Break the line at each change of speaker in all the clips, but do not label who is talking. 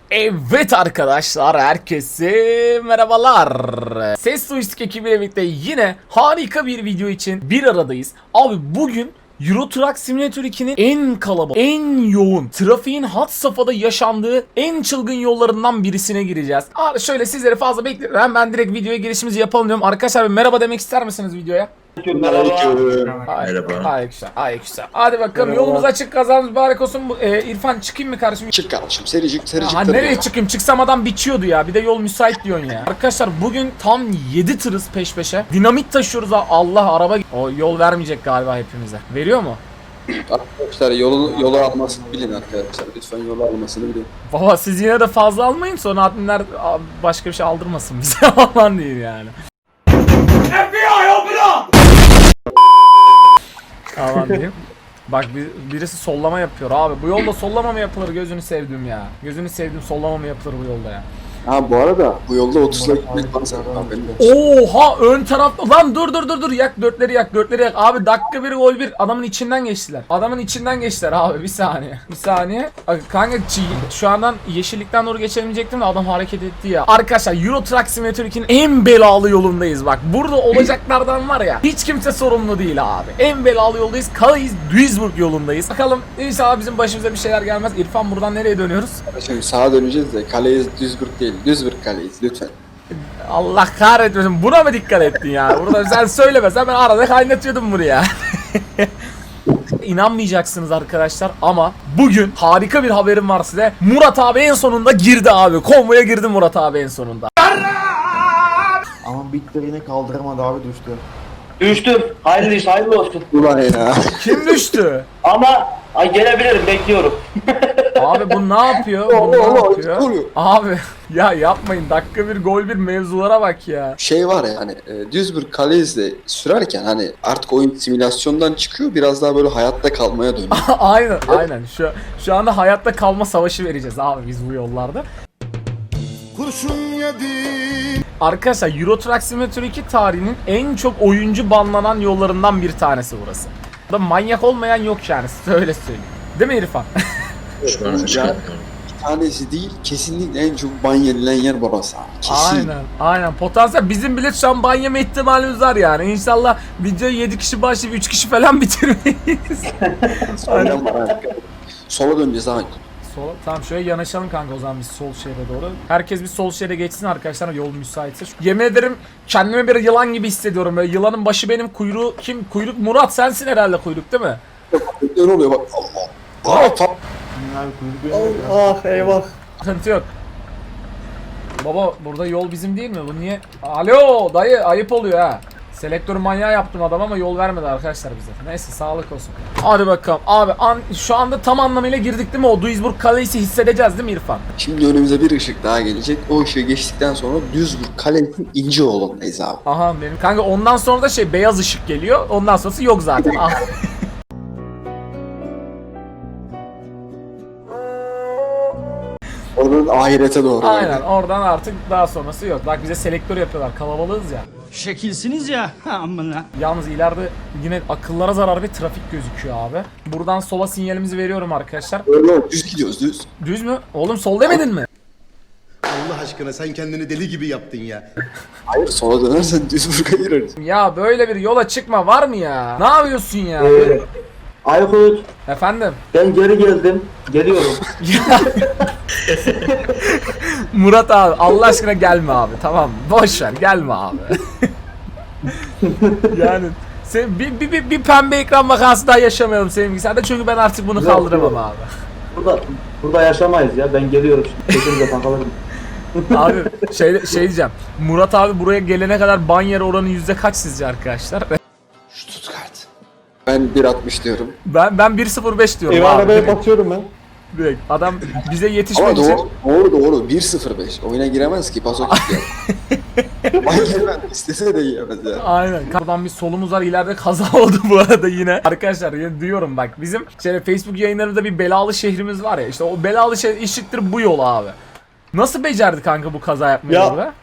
Evet arkadaşlar, herkese merhabalar. Ses Joystick ekibiyle birlikte yine harika bir video için bir aradayız. Abi bugün Euro Truck Simulator 2'nin en kalabalık, en yoğun, trafiğin had safhada yaşandığı en çılgın yollarından birisine gireceğiz. Abi şöyle sizleri fazla bekliyorum. Ben direkt videoya girişimizi yapalım diyorum. Arkadaşlar bir merhaba demek ister misiniz videoya?
Merhaba.
Aleykümselam. Hadi bakalım, yolumuz açık, kazamız mübarek olsun. İrfan çıkayım mı kardeşim?
Çık kardeşim, sericik
Ha, nereye çıkayım? Çıksam adam biçiyordu ya. Bir de yol müsait diyorsun ya. Arkadaşlar bugün tam 7 tırız peş peşe. Dinamit taşıyoruz ha. Allah, araba o yol vermeyecek galiba hepimize. Veriyor mu?
Arkadaşlar yolu almasını bilin arkadaşlar. Lütfen yolu almasını bilin.
Baba siz yine de fazla almayın, sonra adminler başka bir şey aldırmasın bize falan değil yani. FBI open up! Aman diyeyim. Bak birisi sollama yapıyor abi. Bu yolda sollama mı yapılır, gözünü sevdim ya. Gözünü sevdim, sollama mı yapılır bu yolda ya.
Ha bu arada bu yolda 30'la gitmek lazım.
Oha, ön tarafta lan, dur yak dörtleri yak abi, dakika 1 gol 1, adamın içinden geçtiler abi, bir saniye kanka, şu andan yeşillikten doğru geçemeyecektim de adam hareket etti ya. Arkadaşlar Euro Truck Simulator 2'nin en belalı yolundayız. Bak burada olacaklardan var ya, hiç kimse sorumlu değil abi. En belalı yoldayız, Calais Duisburg yolundayız. Bakalım inşallah bizim başımıza bir şeyler gelmez. İrfan, buradan nereye dönüyoruz?
Şimdi sağa döneceğiz de Calais Duisburg değil. Duisburg Calais lütfen.
Allah kahretmesin, buna mı dikkat ettin ya? Burada sen söylemesen ben arada kaynatıyordum buraya. İnanmayacaksınız arkadaşlar ama bugün harika bir haberim var size. Murat abi en sonunda girdi abi. Konvoya girdi Murat abi en sonunda.
Ama bitti, yine kaldıramadı abi, düştü.
Düştüm. Hayırlı olsun.
Ulan ya.
Kim düştü?
Ama gelebilirim, bekliyorum.
Abi bu ne yapıyor? Abi ya yapmayın, dakika 1 gol 1 mevzulara bak ya.
Şey var ya hani Duisburg Calais'de sürerken hani artık oyun simülasyondan çıkıyor, biraz daha böyle hayatta kalmaya dönüyor.
Aynen. Şu anda hayatta kalma savaşı vereceğiz abi biz bu yollarda.
Kurşun yedim.
Arkadaşlar Euro Truck Simulator 2 tarihinin en çok oyuncu banlanan yollarından bir tanesi burası. Da manyak olmayan yok yani, öyle söyleyeyim. Değil mi İrfan?
Şu an bir tanesi değil, kesinlikle en çok ban yenilen yer burası abi. Kesin.
Aynen. Potansiyel bizim bile şu an ban yeme ihtimalimiz var yani. İnşallah videoyu 7 kişi başlayıp 3 kişi falan bitirmeyiz.
Sola döneceğiz abi.
Tamam, şöyle yanaşalım kanka o zaman biz sol şeride doğru. Herkes bir sol şeride geçsin arkadaşlar, yol müsaitse. Yemin ederim kendimi bir yılan gibi hissediyorum. Böyle yılanın başı benim, kuyruğu kim? Kuyruk Murat, sensin herhalde kuyruk, değil mi?
Ne oluyor bak. Allah.
Ah eyvah.
Sıkıntı yok. Baba burada yol bizim değil mi? Bu niye? Alo dayı, ayıp oluyor ha. Selektör manyağı yaptım adam ama yol vermedi arkadaşlar bize. Neyse, sağlık olsun. Hadi bakalım. Abi şu anda tam anlamıyla girdik değil mi? O Duisburg Calais'i hissedeceğiz değil mi İrfan?
Şimdi önümüze bir ışık daha gelecek. O ışığı geçtikten sonra Duisburg Calais'in İnceoğlu'ndayız abi.
Aha benim. Kanka ondan sonra da beyaz ışık geliyor. Ondan sonrası yok zaten.
Oradan ahirete doğru.
Aynen, oradan artık daha sonrası yok. Bak bize selektör yapıyorlar. Kalabalığız ya.
Şekilsiniz ya. Amına.
Yalnız ileride yine akıllara zarar bir trafik gözüküyor abi. Buradan sola sinyalimizi veriyorum arkadaşlar.
Öyle düz gidiyoruz, düz.
Düz mü? Oğlum sol demedin mi?
Allah aşkına sen kendini deli gibi yaptın ya.
Hayır, sola dönersen Duisburg'a gireriz.
Ya böyle bir yola çıkma var mı ya? Ne yapıyorsun ya?
Aykut,
Efendim?
ben geri geldim. Geliyorum.
Murat abi Allah aşkına gelme abi, tamam mı? Boş ver, gelme abi. Yani sen bir pembe ekran vakası daha yaşamayalım senin bilgisayarda, çünkü ben artık bunu kaldıramam abi.
Burada yaşamayız ya. Ben geliyorum şimdi. Sesinize takılırım.
Abi şey diyeceğim. Murat abi buraya gelene kadar ban yeri oranı yüzde kaç sizce arkadaşlar?
Stuttgart. Ben 1.60 diyorum.
Ben 1.05 diyorum abi.
Arabaya bakıyorum ben.
Direkt adam bize
Ama
yetişmek için.
doğru 1.05. Oyuna giremez ki, paso gitti. Ben girmem. İstese de giremez ya.
Aynen. Buradan bir solumuz var, ileride kaza oldu bu arada yine. Arkadaşlar yine diyorum bak, bizim Facebook yayınlarımızda bir belalı şehrimiz var ya, işte o belalı şehir eşittir bu yol abi. Nasıl becerdi kanka bu kaza yapmayı
Ya.
orada?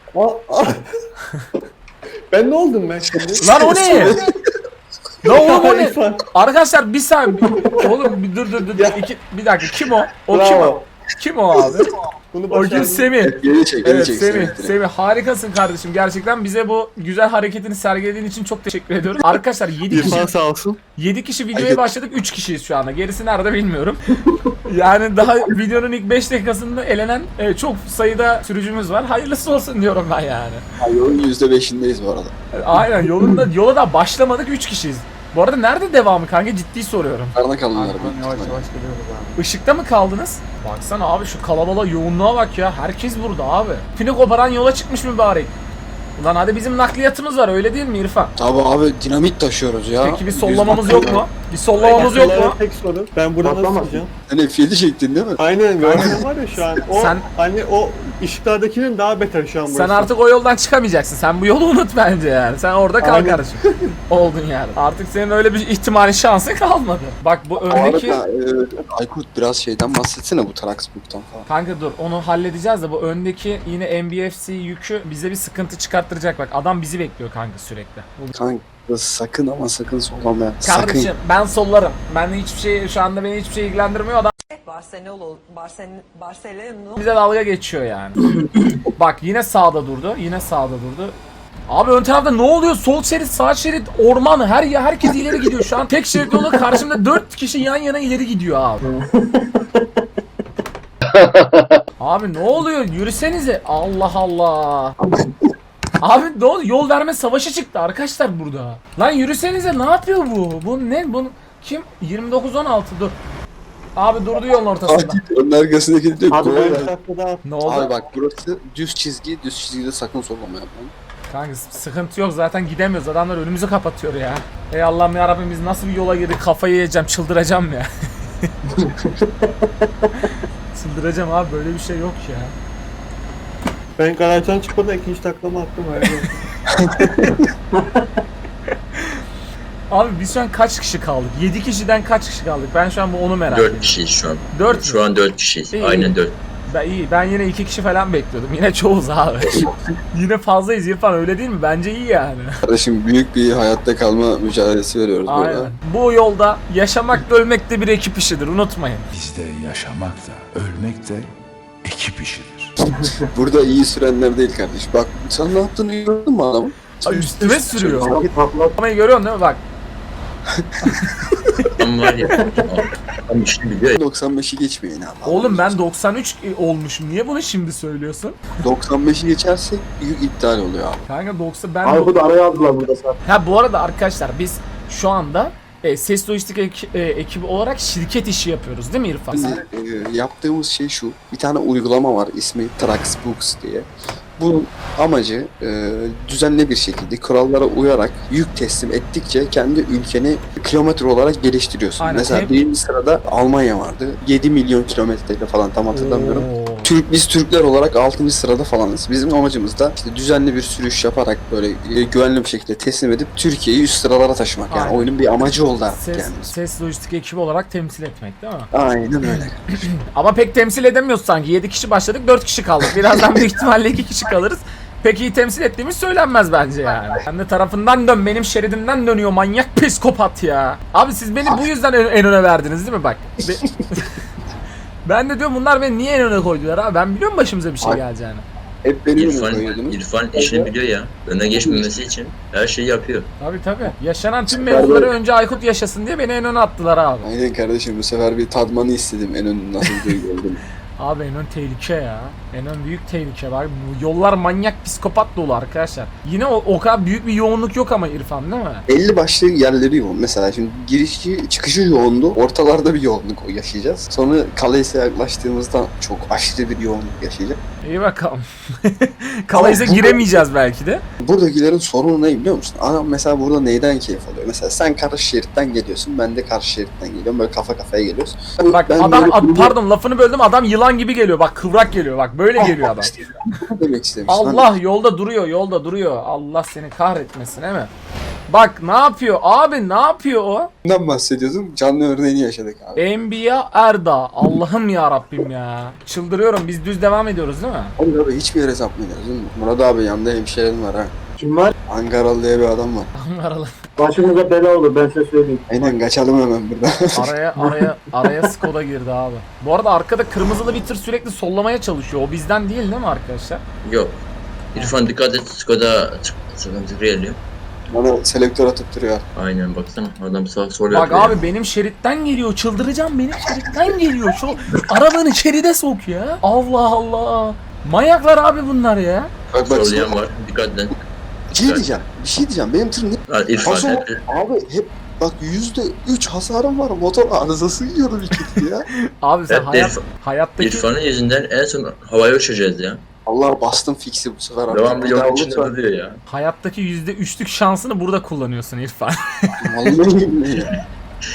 Ben ne oldum ben şimdi?
Lan o ne? Lan oğlum o ne?
İrfan.
Arkadaşlar bir saniye. Oğlum bir dur. Bir dakika, kim o? O kim o? Kim o abi? O gün Semih.
Geri çek, geri
Evet
çek.
Semih, Semih harikasın kardeşim. Gerçekten bize bu güzel hareketini sergilediğin için çok teşekkür ediyoruz. Arkadaşlar 7 kişi
İrfan sağ olsun.
7 kişi videoya başladık. 3 kişiyiz şu anda. Gerisi nerede bilmiyorum. Yani daha videonun ilk 5 dakikasında elenen çok sayıda sürücümüz var. Hayırlısı olsun diyorum ben yani.
Yolun %5'indeyiz bu arada.
Aynen yola da başlamadık, 3 kişiyiz. Bu arada nerede devamı kanka, ciddi soruyorum.
Karına kalınlar.
Yavaş yavaş geliyoruz abi.
Işıkta mı kaldınız? Baksana abi şu kalabalığa, yoğunluğa bak ya. Herkes burada abi. Pini koparan yola çıkmış mübarek. Ulan hadi bizim nakliyatımız var, öyle değil mi İrfan?
Tabi abi dinamit taşıyoruz ya.
Peki bir sollamamız yok mu? Bir sollamamız yok mu?
Tek soru. Ben burada nasıl sıkacağım?
Sen F7 çektin değil mi?
Aynen gördüğün var ya şu an. O
Sen-
hani o ışıklardakinin daha beter şu an burası.
Sen artık o yoldan çıkamayacaksın. Sen bu yolu unut bence yani. Sen orada kal
Aynen.
kardeşim. Oldun yani. Artık senin öyle bir ihtimali, şansın kalmadı. Bak bu
Bu
öndeki...
arada Aykut biraz şeyden bahsetsene bu Traxbook'tan falan.
Kanka dur, onu halledeceğiz de bu öndeki yine NBFC yükü bize bir sıkıntı çıkarttıracak. Bak adam bizi bekliyor kanka sürekli.
Kanka sakın ama sakın sollama ya. Sakın.
Kardeşim ben sollarım. Ben hiçbir şey, şu anda beni hiçbir şey ilgilendirmiyor. Adam
Barcelona
bize dalga geçiyor yani. Bak yine sağda durdu. Yine sağda durdu. Abi ön tarafta ne oluyor? Sol şerit, sağ şerit, orman, herkes ileri gidiyor şu an. Tek şerit yolda karşımda 4 kişi yan yana ileri gidiyor abi. Abi ne oluyor? Yürüsenize. Allah Allah. Abi ne oluyor? Yol verme savaşı çıktı arkadaşlar burada. Lan yürüsenize, ne yapıyor bu? Bu ne? Bu kim? 29-16 dur. Abi durdu yolun ortasında.
Akif onun arkasındaki diyor.
Hadi
"Gol
ben
ver."
bir dakika daha.
Ne oldu?
Abi bak burası düz çizgi. Düz çizgide sakın sollama yapmayın.
Kanka sıkıntı yok, zaten gidemiyoruz. Adamlar önümüzü kapatıyor ya. Ey Allah'ım ya Rabbim, biz nasıl bir yola girdik? Kafayı yiyeceğim, çıldıracağım ya. Çıldıracağım abi, böyle bir şey yok ya.
Ben garajdan çıkmadan ikinci taklama attım.
Abi biz şu an kaç kişi kaldık? 7 kişiden kaç kişi kaldık? Ben şu an bu onu merak
4
ediyorum.
kişiyiz şu an.
4
Şu an 4 kişiyiz.
İyi.
Aynen 4.
Ben yine 2 kişi falan bekliyordum. Yine çoğuz abi. Yine fazlayız İrfan, öyle değil mi? Bence iyi yani.
Kardeşim büyük bir hayatta kalma mücadelesi veriyoruz burada.
Aynen. Bu yolda yaşamak da ölmek de bir ekip işidir, unutmayın.
Bizde yaşamak da ölmek de ekip işidir.
Burada iyi sürenler değil kardeş. Bak sen ne yaptığını gördün mü adamın?
Ay, üstüme sürüyor.
Sanki takla
Ama görüyorsun değil mi? Bak.
Tam var ya. Tam işini biliyor ya.
95'i geçmeyin abi.
Oğlum ben 93 olmuşum. Niye bunu şimdi söylüyorsun?
95'i geçersek yük iptal oluyor abi.
Kanka 90 ben...
Aykut'u araya aldılar burada zaten.
Ha bu arada arkadaşlar biz şu anda ses lojistik ekibi olarak şirket işi yapıyoruz değil mi İrfan?
Biz yaptığımız şey şu. Bir tane uygulama var ismi Traxbooks diye. Bunun amacı düzenli bir şekilde kurallara uyarak yük teslim ettikçe kendi ülkeni kilometre olarak geliştiriyorsun.
Aynen.
Mesela birinci sırada Almanya vardı. 7 milyon kilometreyle falan tam hatırlamıyorum.
Oo.
Biz Türkler olarak 6. sırada falanız. Bizim amacımız da işte düzenli bir sürüş yaparak böyle güvenli bir şekilde teslim edip Türkiye'yi üst sıralara taşımak. Yani
Aynen.
oyunun bir amacı oldu artık
Ses,
yani.
ses lojistik ekibi olarak temsil etmek değil mi?
Aynen öyle.
Ama pek temsil edemiyoruz sanki. 7 kişi başladık, 4 kişi kaldık. Birazdan büyük ihtimalle 2 kişi kalırız. Pek iyi temsil ettiğimiz söylenmez bence yani. Sen de tarafından dön, benim şeridimden dönüyor manyak psikopat ya. Abi siz beni bu yüzden en öne verdiniz değil mi bak? Ben de diyorum bunlar beni niye en öne koydular abi? Ben biliyorum başımıza bir şey
Ay.
geleceğini.
Hep beni
İrfan,
koyuyordunuz.
İrfan işini biliyor ya. Öne geçmemesi için her şeyi yapıyor.
Tabii. Yaşanan tüm mevzuları önce Aykut yaşasın diye beni en öne attılar abi.
Aynen kardeşim bu sefer bir tadmanı istedim en önün nasıl duygu olduğunu.
Abi en ön tehlike ya. En ön büyük tehlike var. Bu yollar manyak psikopat dolu arkadaşlar. Yine o kadar büyük bir yoğunluk yok ama İrfan değil mi?
Belli başlı yerleri yoğun. Mesela şimdi girişi çıkışı yoğundu. Ortalarda bir yoğunluk yaşayacağız. Sonra Kalais'e yaklaştığımızda çok aşırı bir yoğunluk yaşayacağız.
İyi bakalım. Kalayıza
Ama bu-
giremeyeceğiz belki de.
Buradakilerin sorunu ne biliyor musun? Adam mesela burada neyden keyif alıyor? Mesela sen karşı şeritten geliyorsun, ben de karşı şeritten geliyorum. Böyle kafa kafaya geliyoruz.
Bak
Ben
adam
böyle-
pardon lafını böldüm, adam yılan gibi geliyor. Bak kıvrak geliyor. Bak böyle geliyor adam.
Ne demek istemişsin?
Allah yolda duruyor. Allah seni kahretmesin değil mi? Bak ne yapıyor abi, ne yapıyor o?
Bundan bahsediyordum. Canlı örneğini yaşadık abi.
Enbiya Erda. Allah'ım ya Rabbim ya. Çıldırıyorum. Biz düz devam ediyoruz değil mi?
Oğlum abi hiçbir yere sapmıyoruz değil mi? Murat abi yanında hemşehrin var ha.
Kim var?
Ankaralı diye bir adam var.
Ankaralı.
Başımıza bela olur ben size söyleyeyim.
Aynen kaçalım hemen buradan.
Araya Skoda girdi abi. Bu arada arkada kırmızılı bir tır sürekli sollamaya çalışıyor. O bizden değil mi arkadaşlar?
Yok. İrfan dikkat et, Skoda sıkıntı geliyor.
Bana selektör atıp duruyor.
Aynen baksana adam sağ sol
Bak
yapıyor.
abi benim şeritten geliyor. Çıldıracağım, benim şeritten geliyor. Şu arabanı şeride sok ya. Allah Allah. Manyaklar abi bunlar ya.
Bak
Sollayan var, dikkat et.
Bir şey diyeceğim. Benim tır ne?
Ha, İrfan
Paso,
hep
abi hep bak %3 hasarım var. Motor arızası yiyorum iki ya.
Abi sen
hep de
hayattaki
İrfan'ın yüzünden en son havaya uçacağız ya.
Allah bastım fix'i bu sefer. artık.
Devamlı
Bir daha
yolun içinde
lütfen.
duruyor ya.
hayattaki %3'lük şansını burada kullanıyorsun İrfan.
Vallahi billahi ya.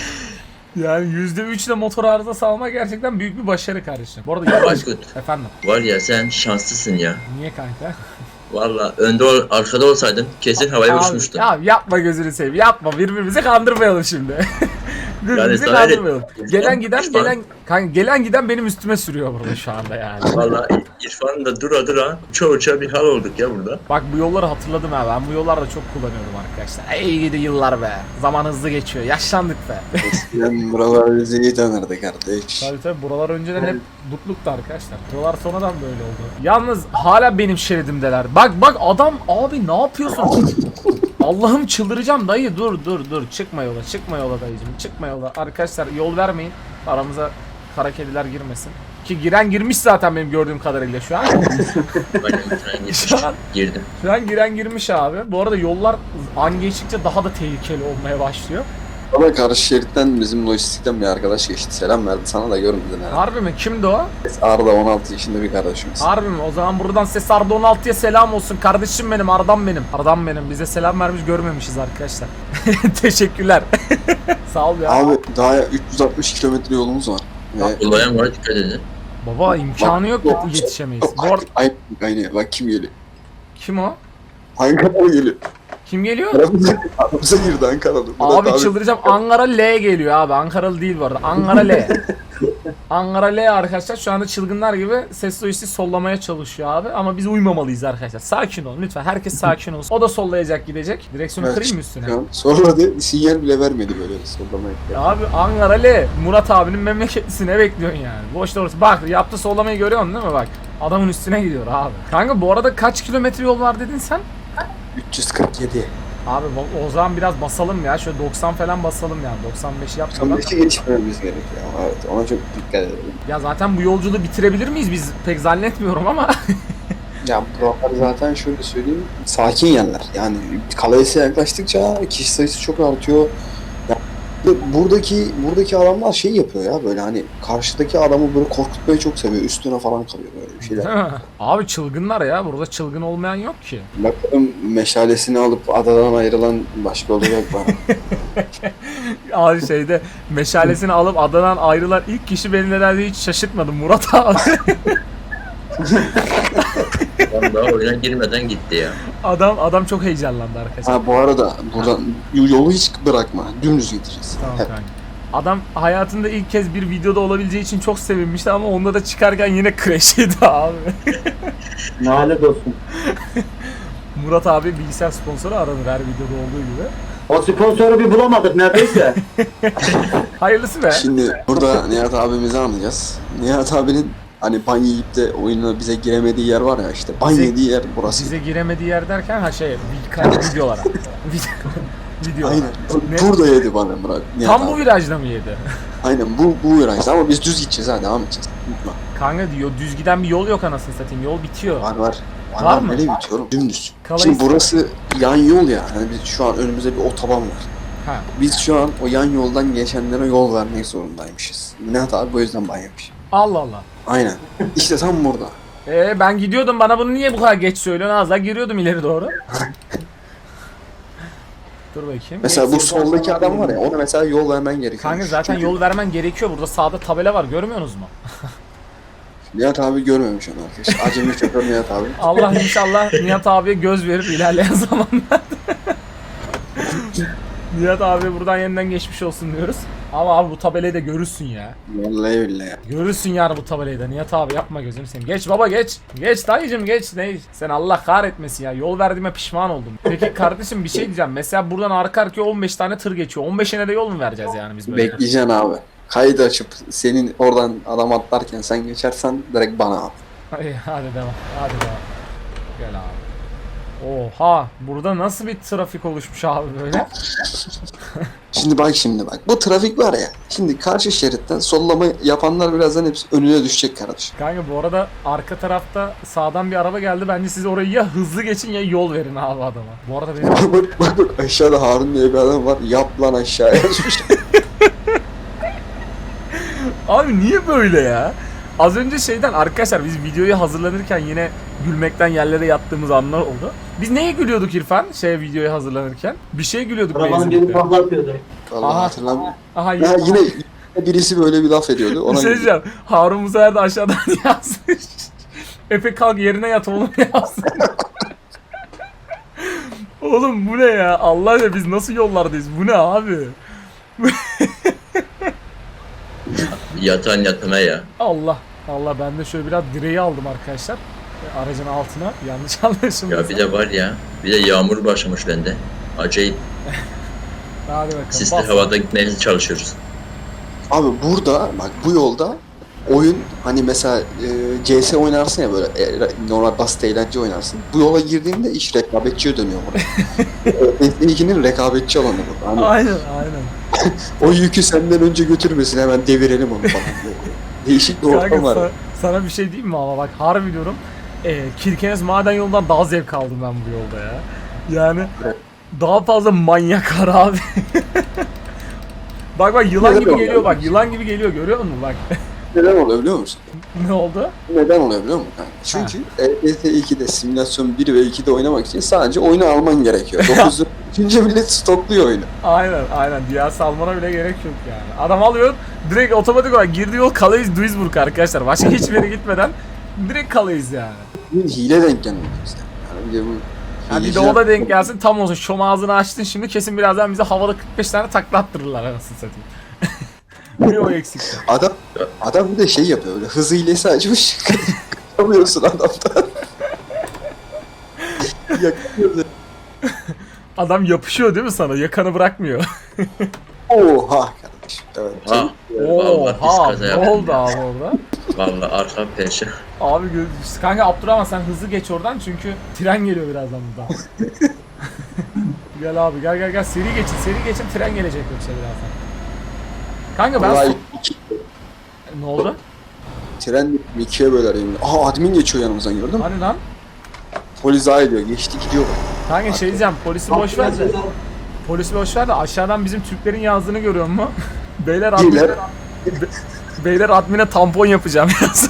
Yani %3 ile motor arızası almak gerçekten büyük bir başarı kardeşim. Bu arada yavaş.
Aykut,
Efendim.
var ya sen şanslısın ya.
Niye kanka?
Valla arkada olsaydın kesin havaya
Abi,
uçmuştun.
ya yapma gözünü seveyim. Yapma. Birbirimizi kandırmayalım şimdi. Birbirimizi
sana
kandırmayalım.
İrfan-
Gelen giden benim üstüme sürüyor burada şu anda yani.
Valla İrfan'ın da dura uça bir hal olduk ya burada.
Bak bu yolları hatırladım ha. Ben bu yollarda çok kullanıyordum arkadaşlar. Ey gidi yıllar be. Zaman hızlı geçiyor. Yaşlandık be.
Eskiden buralar bizi iyi tanırdı kardeş.
Tabii buralar önceden hep dutluktu arkadaşlar. Buralar sonradan böyle oldu. Yalnız hala benim şeridimdeler. Bak adam abi ne yapıyorsun? Allah'ım çıldıracağım dayı, dur. Çıkma yola dayıcım, çıkma yola. Arkadaşlar yol vermeyin. Aramıza kara kediler girmesin. Ki giren girmiş zaten benim gördüğüm kadarıyla şu an.
Aynen sen
Şu an-
girdim.
Şu an giren girmiş abi. Bu arada yollar an geçtikçe daha da tehlikeli olmaya başlıyor.
Bana karşı şeritten bizim lojistikten bir arkadaş geçti. Selam verdi. Sana da görmedin herhalde.
Harbi mi? Kimdi o?
Arda 16 yaşında bir kardeşimiz.
Harbi mi? O zaman buradan ses Arda 16'ya selam olsun. Kardeşim benim, Ardam benim. Ardam benim. Bize selam vermiş, görmemişiz arkadaşlar. Teşekkürler. Sağ ol ya.
Abi daha 360 kilometre yolumuz var. Ve
Kullayan var dikkat edin.
Baba imkanı yok
Bak-
yetişemeyiz. Bu arada
Aynen bak kim geliyor.
kim o?
Ankaralı geliyor.
Kim geliyor?
Aramıza girdi Ankaralı. Murat
Abi çıldıracağım. Ankara L geliyor abi. Ankaralı değil bu arada. Ankara L. Ankara L arkadaşlar şu anda çılgınlar gibi ses lojisi sollamaya çalışıyor abi. Ama biz uymamalıyız arkadaşlar. Sakin olun lütfen. Herkes sakin olsun. O da sollayacak gidecek. Direksiyonu
Evet,
kırayım mı üstüne?
Sonra da sinyal bile vermedi böyle sollamaya.
Abi Ankara L. Murat abinin memleketisi, ne bekliyorsun yani? Boşta orası. Bak yaptı sollamayı görüyorsun değil mi bak? Adamın üstüne gidiyor abi. Kanka bu arada kaç kilometre yol var dedin sen?
347.
Abi o zaman biraz basalım ya. Şöyle 90 falan basalım yani. 95 yapmadan.
95'i geçmemiz gerekiyor. Evet ona çok dikkat edelim.
Ya zaten bu yolculuğu bitirebilir miyiz biz? Pek zannetmiyorum ama.
Ya buralar zaten şöyle söyleyeyim sakin yerler. Yani Kalayes'e yaklaştıkça kişi sayısı çok artıyor. Ya, buradaki adamlar şey yapıyor ya böyle hani karşıdaki adamı böyle korkutmayı çok seviyor. Üstüne falan kalıyor böyle bir şeyler.
Değil mi? Abi çılgınlar ya. Burada çılgın olmayan yok ki.
Bakalım meşalesini alıp adadan ayrılan başka olacak bana.
Abi şeyde meşalesini alıp adadan ayrılan ilk kişi beni nedense hiç şaşırtmadı. Murat abi.
Adam daha oyuna girmeden gitti ya.
Adam çok heyecanlandı arkadaşlar.
Ha bu arada buradan yolu hiç bırakma. Dümdüz gideceğiz.
Tamam
Hep.
kanka. Adam hayatında ilk kez bir videoda olabileceği için çok sevinmişti ama onda da çıkarken yine crash yedi abi.
Nalet olsun.
Murat abi bilgisayar sponsoru aranır her videoda olduğu gibi.
O sponsoru bir bulamadık neredeyse.
Hayırlısı be.
Şimdi burada Nihat abimizi anlayacağız. Nihat abinin hani ban yiyip de oyuna bize giremediği yer var ya işte. Ban
Bize-
yediği yer burası.
Bize giremediği yer derken videolara. Videolara.
Aynen.
Ne?
Burada yedi bana Murat. Nihat
Tam bu
abi.
virajda mı yedi?
Aynen bu virajda ama biz düz gideceğiz ha devam edeceğiz. Unutma.
Kanka diyor düz giden bir yol yok anasını satayım. Yol bitiyor.
Var.
Var mı?
Nereye bitiyorum? Dümdüz.
Kalayı-
Şimdi burası yan yol ya. Hani biz şu an önümüzde bir otoban var.
Ha.
Biz şu an o yan yoldan geçenlere yol vermek zorundaymışız. Nihat abi bu yüzden ban yemiş.
Allah Allah.
Aynen. İşte tam burada.
Ben gidiyordum, bana bunu niye bu kadar geç söylüyorsun? Az daha giriyordum ileri doğru. Dur bakayım.
Mesela bu soldaki adam var ya ona mesela yol vermen gerekiyor.
Kanka zaten
Çünkü
yol vermen gerekiyor. Burada sağda tabela var, görmüyorsunuz mu?
Nihat abi görmemiş onu arkadaşlar. Acemi şoför Nihat abi.
Allah inşallah Nihat abiye göz verir ilerleyen zamanlarda. Nihat abi buradan yeniden geçmiş olsun diyoruz. Ama abi bu tabelayı da görürsün ya.
Vallahi öyle ya.
Görürsün yani bu tabelayı da. Nihat abi yapma gözüm seni. Geç baba geç. Geç dayıcım geç. Ne? Sen Allah kahretmesin ya. Yol verdiğime pişman oldum. Peki kardeşim bir şey diyeceğim. Mesela buradan arka arkaya 15 tane tır geçiyor. 15'ine de yol mu vereceğiz yani biz böyle?
Bekleyeceksin abi. Kaydı açıp senin oradan adam atlarken sen geçersen direkt bana at.
Hadi devam. Hadi devam. Gel abi. Oha. Burada nasıl bir trafik oluşmuş abi böyle?
Şimdi bak. Bu trafik var ya. Şimdi karşı şeritten sollama yapanlar birazdan hepsi önüne düşecek kardeşim.
Kanka bu arada arka tarafta sağdan bir araba geldi. Bence siz orayı ya hızlı geçin ya yol verin abi adama. Bu arada benim...
bak aşağıda Harun diye bir adam var. Yap lan aşağıya yazmış.
Abi niye böyle ya? Az önce şeyden arkadaşlar biz videoyu hazırlanırken yine gülmekten yerlere yattığımız anlar oldu. Biz neye gülüyorduk İrfan? Videoya hazırlanırken. Bir şey gülüyorduk
Arabanın biri
benzinlikte.
patlatıyordu.
Vallahi
Aha.
hatırlamıyorum.
Aha
Ya yine birisi böyle bir laf ediyordu.
bir
Ona
şey diyeceğim. Harun bu sefer de aşağıdan yazmış. Efe kalk yerine yat oğlum yazmış. Oğlum bu ne ya? Allah ya biz nasıl yollardayız? Bu ne abi?
Yatan yatana ya.
Allah. Allah ben de şöyle biraz direği aldım arkadaşlar. Aracın altına. Yanlış anlaşılmasın.
Ya bir de var ya. Bir de yağmur başlamış bende. Acayip
Hadi bakalım.
sisli
bas.
havada gitmeye çalışıyoruz.
Abi burada bak bu yolda oyun hani mesela CS oynarsın ya böyle normal basit eğlence oynarsın. Bu yola girdiğinde iş rekabetçiye dönüyor burada. S2'nin rekabetçi alanı bu. Hani
Aynen.
o yükü senden önce götürmesin hemen devirelim onu falan. Değişik bir ortam
Kanka
var.
sana bir şey diyeyim mi ama bak harbi diyorum. Kirkenes maden yolundan daha zevk aldım ben bu yolda ya. Yani daha fazla manyak var abi. bak yılan gibi geliyor bak. Yılan gibi geliyor görüyor musun bak.
Neden oluyor biliyor musun?
Ne oldu?
Neden oluyor biliyor musun? Çünkü ET2'de simülasyon 1 ve 2'de oynamak için sadece oyunu alman gerekiyor. 9'u üçüncü millet stokluyor oyunu.
Aynen. Diğer salmana bile gerek yok yani. Adam alıyor direkt otomatik olarak girdiği yol Calais Duisburg arkadaşlar. Başka hiçbir yere gitmeden direkt Calais yani.
Bir hile denk gelmiyor bize. Yani bir de bu
Yani bir de
hileciler-
o da denk gelsin tam olsun. Şom ağzını açtın şimdi kesin birazdan bize havada 45 tane takla attırırlar anasını satayım. Bir o eksik.
Adam bir de şey yapıyor böyle hız hilesi açmış. Kaçamıyorsun adamdan. Yakıyor.
Adam yapışıyor değil mi sana? Yakanı bırakmıyor.
Oha kardeşim. Evet.
Ha. Vallahi biz
Oha
kaza
ne
yaptık.
oldu abi orada?
Vallahi arka peşe.
Abi kanka Abdurrahman sen hızlı geç oradan çünkü tren geliyor birazdan buradan. Gel abi gel seri geçin tren gelecek yoksa birazdan. Kanka ben
Vallahi iki,
ne oldu?
tren ikiye böler yemin. Aa admin geçiyor yanımızdan gördün mü?
Hani lan?
Polis daha ediyor. Geçti gidiyor.
Kanka şey diyeceğim polisi boş ver de. Polisi boş ver de aşağıdan bizim Türklerin yazdığını görüyor musun? Beyler
Beyler.
Beyler admine tampon yapacağım yaz.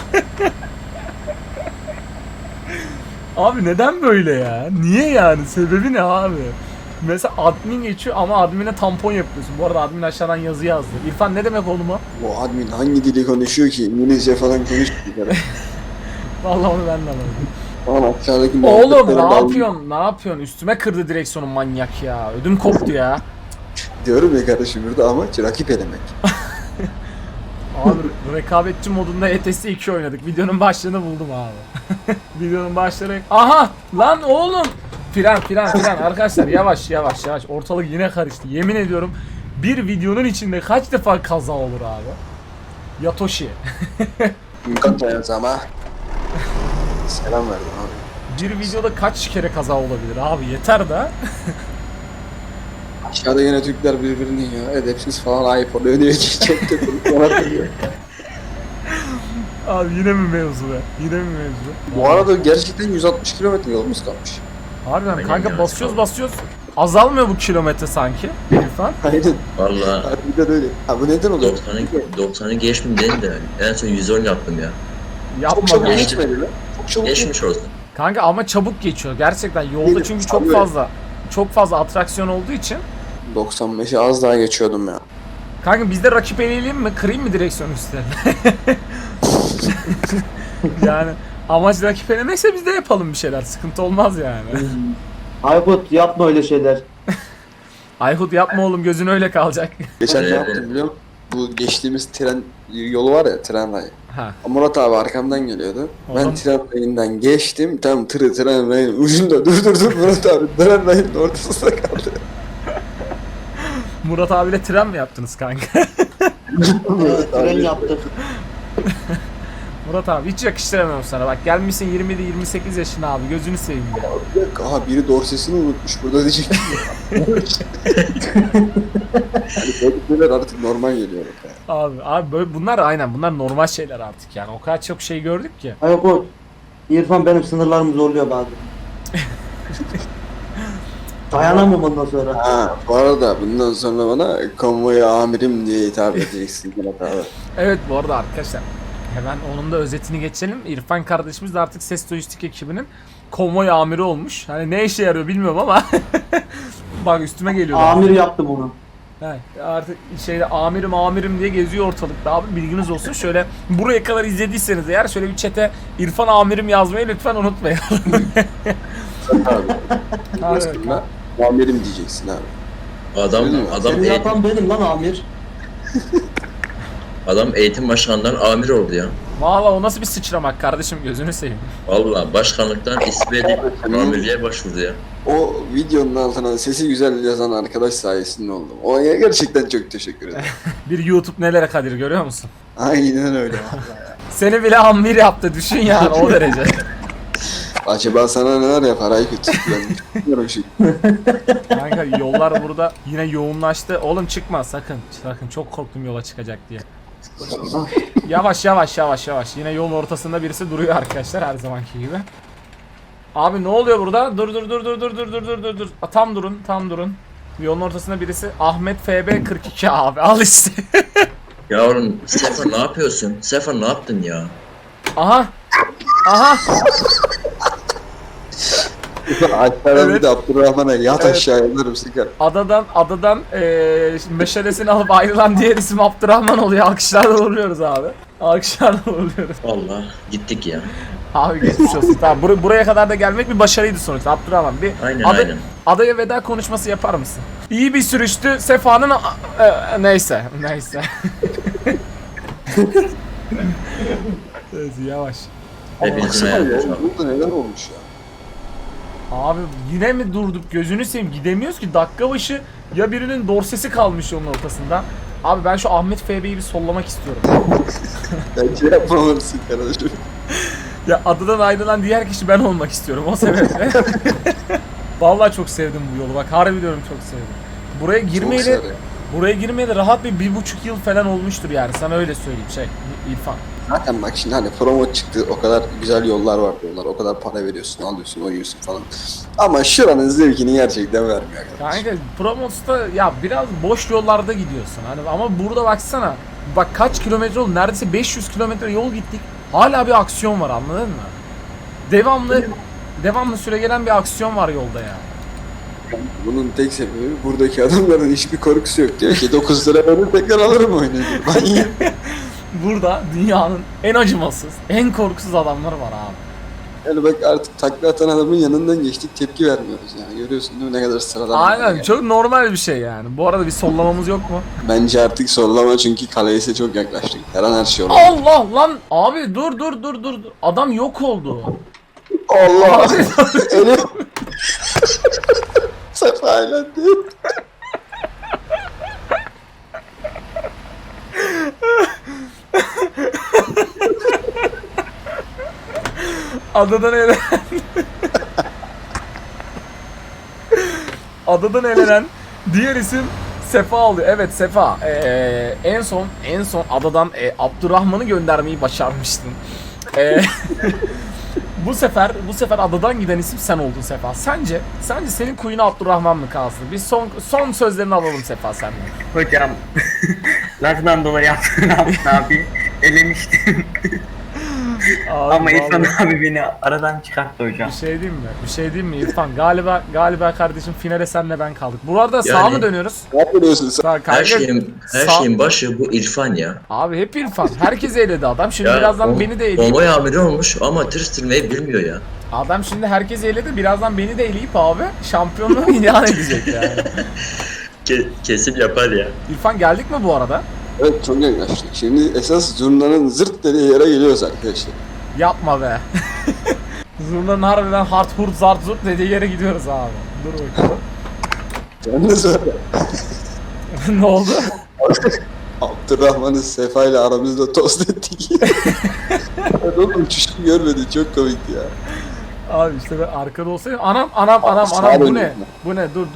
Abi neden böyle ya? Niye yani? Sebebi ne abi? Mesela admin geçiyor ama admine tampon yapıyorsun. Bu arada admin aşağıdan yazı yazdı. İrfan ne demek oğlum o?
Bu admin hangi dili konuşuyor ki? İngilizce falan konuşmuyor.
Vallahi onu ben de anlamadım.
Falan aşağıdaki
Oğlum
muhabbetleri
ne
ben-
yapıyorsun? Ne yapıyorsun? Üstüme kırdı direksiyonu manyak ya. Ödüm koptu ya.
Diyorum ya kardeşim burada amaç rakip elemek.
Abi rekabetçi modunda ETS 2 oynadık. Videonun başlığını buldum abi. Videonun başlığı... Aha! Lan oğlum! Fren arkadaşlar yavaş. Ortalık yine karıştı. Yemin ediyorum bir videonun içinde kaç defa kaza olur abi? Yatoshi.
Mükemmel ama. Selam verdim abi.
Bir videoda kaç kere kaza olabilir abi? Yeter de.
Aşağıda yine Türkler birbirini ya edepsiz falan iPhone ödüyor çekti konuşuyor.
Abi yine mi mevzu be?
Bu arada gerçekten 160 kilometre yolumuz kalmış.
Harbiden
Aynen
kanka
ya,
basıyoruz. Azalmıyor bu kilometre sanki. İrfan.
Aynen.
Vallahi
Harbiden öyle. Ha bu neden oluyor?
90'ı geçtim dedim de en son 110 yaptım ya.
Çok
Yapma
çabuk
be.
geçmedi lan. Çok çabuk
Geçmiş olsun.
Kanka ama çabuk geçiyor gerçekten yolda
Değil,
çünkü
sanıyorum.
çok fazla atraksiyon olduğu için.
95'e az daha geçiyordum ya.
Kanka biz de rakip eleyelim mi? Kırayım mı direksiyon üstlerine? Yani amaç rakip elemekse biz de yapalım bir şeyler. Sıkıntı olmaz yani.
Aykut yapma öyle şeyler.
Aykut yapma oğlum, gözün öyle kalacak.
Geçen ne
Evet.
yaptım biliyor musun? Bu geçtiğimiz tren yolu var ya, tren rayı.
Ha.
Murat abi arkamdan geliyordu. Ben
Oğlum.
tren rayından geçtim. Tam tren rayının ucunda dur Murat abi tren rayının ortasında kaldı.
Murat abiyle tren mi yaptınız kanka?
Tren yaptık.
Murat abi hiç yakıştıramıyorum sana. Bak gelmişsin 27-28 yaşına abi, gözünü seveyim ya.
Aha biri dorsesini unutmuş burada diyecek. Yani böyle artık normal geliyor. Bak ya.
Abi böyle bunlar aynen, bunlar normal şeyler artık yani. O kadar çok şey gördük ki.
Aykut. İrfan benim sınırlarımı zorluyor bazen. Dayanamam ondan sonra.
Ha, bu arada bundan sonra bana konvoy amirim diye hitap edeceksin Murat abi.
Evet bu arada arkadaşlar, hemen onun da özetini geçelim. İrfan kardeşimiz de artık Ses Lojistik ekibinin konvoy amiri olmuş. Hani ne işe yarıyor bilmiyorum ama bak üstüme geliyor.
Amir yaptı bunu.
He, artık şeyde amirim diye geziyor ortalıkta abi, bilginiz olsun. Şöyle buraya kadar izlediyseniz eğer şöyle bir chat'e İrfan amirim yazmayı lütfen unutmayın.
Abi.
Hadi
Aslında amirim diyeceksin abi.
Adam
Seni yapan benim lan amir.
eğitim başkanından amir oldu ya.
Valla o nasıl bir sıçramak kardeşim, gözünü seveyim.
Vallahi başkanlıktan istifa edip amirliğe başvurdu ya.
O videonun altına sesi güzel yazan arkadaş sayesinde oldum. Ona gerçekten çok teşekkür ederim.
Bir YouTube nelere kadir, görüyor musun?
Aynen öyle.
Seni bile amir yaptı, düşün yani o derece.
Acaba sana neler yapar Aykut? Ben bilmiyorum şu.
Kanka yollar burada yine yoğunlaştı. Oğlum çıkma sakın. Sakın, çok korktum yola çıkacak diye. Yavaş. Yine yolun ortasında birisi duruyor arkadaşlar, her zamanki gibi. Abi ne oluyor burada? Dur. Tam durun. Yolun ortasında birisi. Ahmet FB 42 abi, al işte.
Ya oğlum Sefer ne yapıyorsun? Sefer ne yaptın ya?
Aha.
Alperen
Evet.
bir de Abdurrahman'a yat
Evet.
aşağı yanarım sıkar.
Adadan meşalesini alıp ayrılan diğer isim Abdurrahman oluyor. Alkışlarla uğurluyoruz abi.
Vallahi gittik ya.
Abi geçmiş olsun. Tamam, buraya kadar da gelmek bir başarıydı sonuçta. Abdurrahman bir
Aynen.
adaya veda konuşması yapar mısın? İyi bir sürüştü. Sefa'nın neyse. Evet, yavaş.
Hepinizin
Baksana ya,
ayağınıza.
burada neler olmuş ya.
Abi yine mi durduk, gözünü seveyim, gidemiyoruz ki, dakika başı ya birinin dorsesi kalmış yolun ortasında. Abi ben şu Ahmet FB'yi bir sollamak istiyorum.
Bence yapmamalısın kardeşim.
Ya adadan ayrılan diğer kişi ben olmak istiyorum o sebeple. Vallahi çok sevdim bu yolu, bak harbi diyorum, çok sevdim. Buraya girmeyeli rahat bir 1,5 yıl falan olmuştur yani, sana öyle söyleyeyim İrfan.
Zaten bak şimdi hani promo çıktı, o kadar güzel yollar var diyorlar, o kadar para veriyorsun, alıyorsun, oynuyorsun falan. Ama şuranın zevkini gerçekten vermiyor.
Kanka Promos'ta ya biraz boş yollarda gidiyorsun hani, ama burada baksana, bak kaç kilometre oldu, neredeyse 500 kilometre yol gittik, hala bir aksiyon var, anladın mı? Devamlı süre gelen bir aksiyon var yolda ya.
Bunun tek sebebi buradaki adamların hiçbir korkusu yok. Diyor ki 9 lira verir tekrar alırım oyunu. Ben yiyeyim.
Burada dünyanın en acımasız, en korkusuz adamları var abi.
Yani bak artık takla atan adamın yanından geçtik, tepki vermiyoruz yani. Görüyorsun değil mi ne kadar sıradan.
Aynen,
yani.
çok normal bir şey yani. Bu arada bir sollamamız yok mu?
Bence artık sollama çünkü kaleyse çok yaklaştık. Her an her şey olur.
Allah lan abi, dur. Adam yok oldu.
Allah! Elim! Sefa eğlendi.
Adadan elenen diğer isim Sefa oluyor. Evet Sefa. En son adadan Abdurrahman'ı göndermeyi başarmıştın. Bu sefer adadan giden isim sen oldun Sefa. Sence senin kuyuna Abdurrahman mı kalsın? Biz son sözlerini alalım Sefa senden.
Hocam lafından dolayı yaptım, ne yapayım? Elemiştim.
Abi,
Ama İrfan
vallahi.
abi beni aradan çıkarttı hocam.
Bir şey diyeyim mi İrfan? Galiba kardeşim finale senle ben kaldık. Bu arada sağa
Yani-
mı dönüyoruz?
Ne yapıyorsun sen?
Sağ,
Her
kanka,
şeyin başı bu İrfan ya.
Abi hep İrfan. Herkes eyledi adam. Şimdi
Ya
birazdan beni de eleyip.
Konvoy amiri olmuş ama tır sürmeyi bilmiyor ya.
Adam şimdi herkes eyledi. Birazdan beni de eleyip abi şampiyonluğu ilan edecek yani.
Kesim yapar ya.
İrfan geldik mi bu arada?
Evet çok yaklaştık. Şimdi esas zurnanın zırt dediği yere geliyoruz arkadaşlar.
Yapma be. Zurnanın harbiden hard hurt zart zurt dediği yere gidiyoruz abi. Dur bakalım.
Yalnız öyle.
Ne oldu?
Abdurrahman'ın Sefa ile aramızda tost ettik. Ben onun uçuşunu görmedim. Çok komikti ya.
Abi işte ben arkada olsaydım anam
Sağa
bu ne?
dönüyorum
Bu ne? Dur.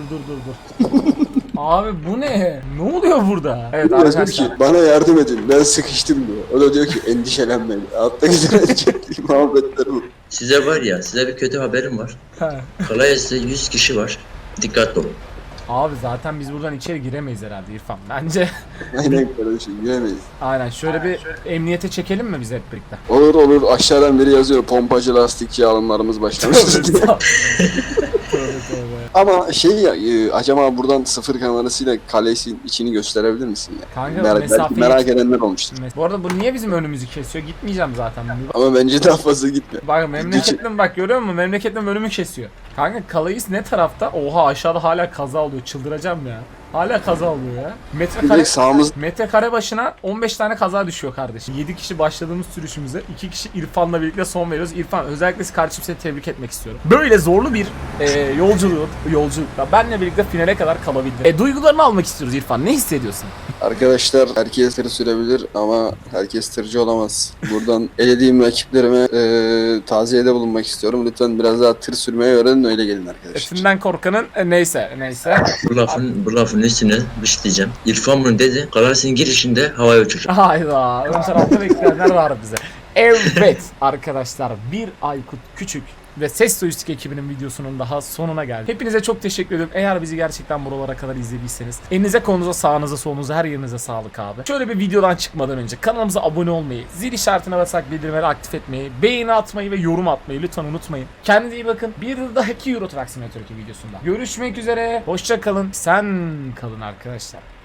Abi bu ne? Ne oluyor burada? Evet
Diyor
arkadaşlar.
ki bana yardım edin ben sıkıştım diyor. O da diyor ki endişelenmeyin. Altta güzel muhabbetler bu.
Size var ya, size bir kötü haberim var.
He.
Kalayas'ta 100 kişi var. Dikkatli olun.
Abi zaten biz buradan içeri giremeyiz herhalde İrfan. Bence
Aynen kardeşim gülemeyiz.
aynen şöyle bir emniyete çekelim mi biz hep birlikte?
Olur aşağıdan biri yazıyor pompacı lastikçi alımlarımız başlamıştır diye.
Tövbe.
Ama şey ya acaba buradan sıfır kamerasıyla kalesin içini gösterebilir misin ya?
Kanka,
Belki
mesafeyi-
merak edenler olmuştur.
Bu arada bu niye bizim önümüzü kesiyor? Gitmeyeceğim zaten.
Ama bence daha fazla gitme.
Bak memleketim bak görüyor musun? Memleketim önümü kesiyor. Kanka Kalayis ne tarafta? Oha aşağıda hala kaza oluyor. Çıldıracağım ya. Hala kaza oluyor ya.
Direkt sağımız
Metrekare başına 15 tane kaza düşüyor kardeşim. 7 kişi başladığımız sürüşümüze 2 kişi İrfan'la birlikte son veriyoruz. İrfan özellikle kardeşim seni tebrik etmek istiyorum. Böyle zorlu bir yolculukla benle birlikte finale kadar kalabildin. Duygularını almak istiyoruz İrfan. Ne hissediyorsun?
arkadaşlar herkes tır sürebilir ama herkes tırcı olamaz. Buradan elediğim rakiplerime taziyede bulunmak istiyorum. Lütfen biraz daha tır sürmeyi öğrenin öyle gelin arkadaşlar.
Etinden korkanın neyse.
Bu lafın üstüne bir şey diyeceğim. İrfan bunu dedi. Kalayas'ın girişinde havaya uçacak.
Hayda. Ön tarafta bekleyenler var bize. Evet arkadaşlar bir Aykut Küçük ve Ses Soyistik ekibinin videosunun daha sonuna geldik. Hepinize çok teşekkür ederim. Eğer bizi gerçekten buralara kadar izlediyseniz elinize kolunuza sağınıza solunuza her yerinize sağlık abi. Şöyle bir videodan çıkmadan önce kanalımıza abone olmayı, zil işaretine basarak bildirimleri aktif etmeyi, beğeni atmayı ve yorum atmayı lütfen unutmayın. Kendinize iyi bakın. Bir dahaki Euro Truck Simulator 2 videosunda görüşmek üzere. Hoşça kalın. Sen kalın arkadaşlar.